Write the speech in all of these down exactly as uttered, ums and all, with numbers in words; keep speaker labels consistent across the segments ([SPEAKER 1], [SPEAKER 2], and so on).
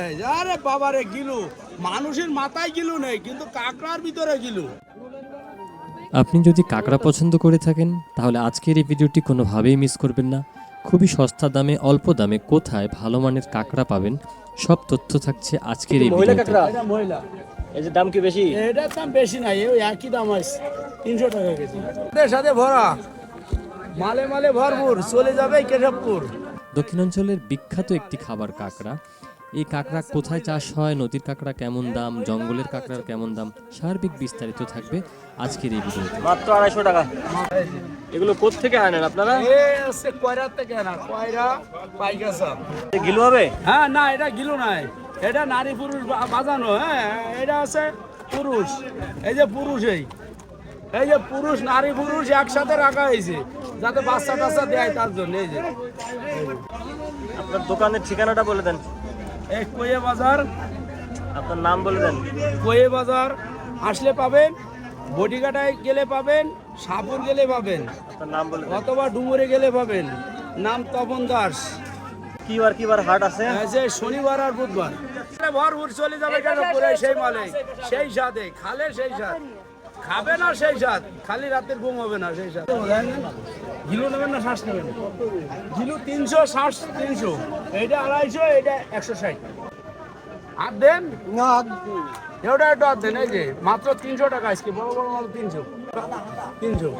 [SPEAKER 1] আরে বাবারে গিলু, মানুষের মাথায় গিলু নেই কিন্তু কাঁকড়ার ভিতরে গিলু।
[SPEAKER 2] আপনি যদি কাঁকড়া পছন্দ করে থাকেন তাহলে আজকের এই ভিডিওটি কোনোভাবেই মিস করবেন না। খুবই সস্তা দামে অল্প দামে কোথায় ভালো মানের কাঁকড়া পাবেন সব তথ্য থাকছে আজকের এই ভিডিওতে।
[SPEAKER 1] এটা মহিলা,
[SPEAKER 3] এই যে দাম কি বেশি?
[SPEAKER 1] এটার দাম বেশি নাই, ওই একই দাম আছে তিনশো টাকা কেজি। এর সাথে ভরা মালে মালে ভরপুর, চলে যাবে কেশবপুর।
[SPEAKER 2] দক্ষিণাঞ্চলের বিখ্যাত একটি খাবার কাঁকড়া। এই কাঁকড়া কোথায় চাষ হয়, নদীর কাঁকড়া কেমন দাম, জঙ্গলের কাঁকড়ার কেমন দাম, সার্বিক বিস্তারিত থাকবে আজকের এই ভিডিওতে।
[SPEAKER 3] মাত্র আড়াইশো টাকা। এগুলো কোত্থেকে আনেন আপনারা?
[SPEAKER 1] এই হচ্ছে কয়রার থেকে না, কয়রা পাইকাসা।
[SPEAKER 3] গিলু হবে?
[SPEAKER 1] হ্যাঁ না, এটা গিলু নাই, এটা নারী পুরুষ বা- বাজানো। হ্যাঁ এটা আছে পুরুষ, এই যে পুরুষ, এই এই যে পুরুষ নারী পুরুষ একসাথে রাখা হয়েছে যাতে বাচ্চা টাচ্চা দেয় তার জন্য। এই যে
[SPEAKER 3] আপনার দোকানের ঠিকানাটা বলে দেন।
[SPEAKER 1] এই কোয়ে বাজার,
[SPEAKER 3] আপনার নাম বলে দেন।
[SPEAKER 1] কোয়ে বাজার আসলে পাবেন, বটিঘাটায় গেলে পাবেন, সাপুর গেলে পাবেন,
[SPEAKER 3] আপনার নাম বলে দেন।
[SPEAKER 1] অথবা ডুমুরে গেলে পাবেন। নাম তপন দাস।
[SPEAKER 3] কি বার কি বার হাট আছে?
[SPEAKER 1] এই যে শনিবার আর বুধবার ভরপুর চলে যাবে কেন পুরো সেই মালে, সেই সাথে খালে সেই সাথ খাবে না, সেই সাথ খালি রাতের ঘুম হবে না, সেই সাথ। গিলো নেবেন না শ্বাস নেবেন? গিলো তিনশো, শ্বাস তিনশো, এইটা আড়াইশো, এটা একশো ষাট। আর দেন না, ওটা একটু আর দেন। এই যে মাত্র তিনশো টাকা আজকে, বড় বড় মাল তিনশো তিনশো।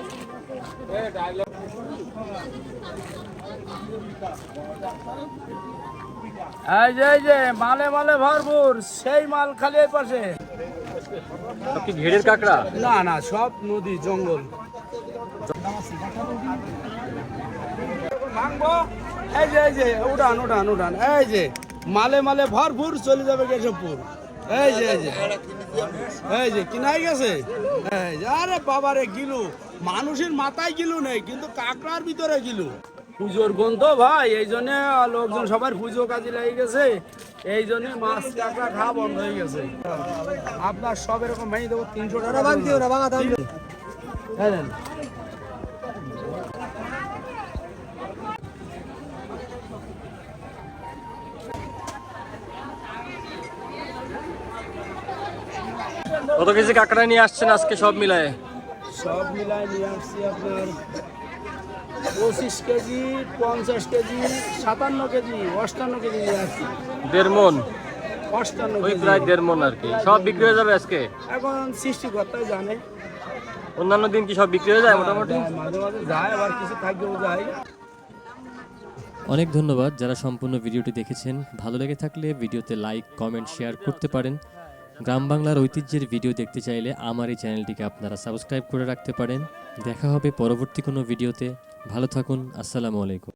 [SPEAKER 1] এই যে এই যে মালে মালে ভরপুর, সেই মাল খালি এই পাশে।
[SPEAKER 3] সব কি ঘেরের কাঁকড়া?
[SPEAKER 1] না না, সব নদী জঙ্গল। ভাঙবো, এই যে এই যে উঠান উঠান উঠান, এই যে মালে মালে ভরপুর চলে যাবে কেশবপুর। এই যে এই যে এই যে কিনাই গেছে। এই যে আরে বাবারে গিলু, মানুষের মাথায় গিলু নেই কিন্তু কাঁকড়ার ভিতরে গিলু। পুজোর গন্ধ ভাই, এই জন্য লোকজন সবার পুজো কাজে লেগে গেছে, এই জন্য মাছ কাঁকড়া খাওয়া বন্ধ হয়ে গেছে। আপনার সব এরকম ভেঙে দেবো তিনশো টাকা। হ্যাঁ দেন।
[SPEAKER 3] কত কেজি কাঁকড়া নিয়ে আসছেন আজকে সব মিলায়ে?
[SPEAKER 1] সব মিলায় নিয়ে আসছি আপনার পঁচিশ কেজি, পঞ্চাশ কেজি, সাতান্ন কেজি, অষ্টান্ন কেজি নিয়ে আসছি।
[SPEAKER 3] দেড় মন,
[SPEAKER 1] অষ্টান্ন
[SPEAKER 3] ওই
[SPEAKER 1] কেজি।
[SPEAKER 3] প্রায় দেড় মন আর কি। সব বিক্রি হয়ে যাবে আজকে?
[SPEAKER 1] এখন সৃষ্টিকর্তাই জানে।
[SPEAKER 3] অন্যান্য দিন কি সব বিক্রি হয়ে যায় মোটামুটি?
[SPEAKER 1] যায়, মাঝে মাঝে যায়, আবার কিছু থাকলেও যায়।
[SPEAKER 2] অনেক ধন্যবাদ যারা সম্পূর্ণ ভিডিওটি দেখেছেন। ভালো লেগে থাকলে ভিডিওতে লাইক, কমেন্ট, শেয়ার করতে পারেন। গ্রাম বাংলার ঐতিহ্যের ভিডিও দেখতে চাইলে আমার এই চ্যানেলটিকে আপনারা সাবস্ক্রাইব করে রাখতে পারেন। দেখা হবে পরবর্তী কোনো ভিডিওতে। ভালো থাকুন। আসসালামু আলাইকুম।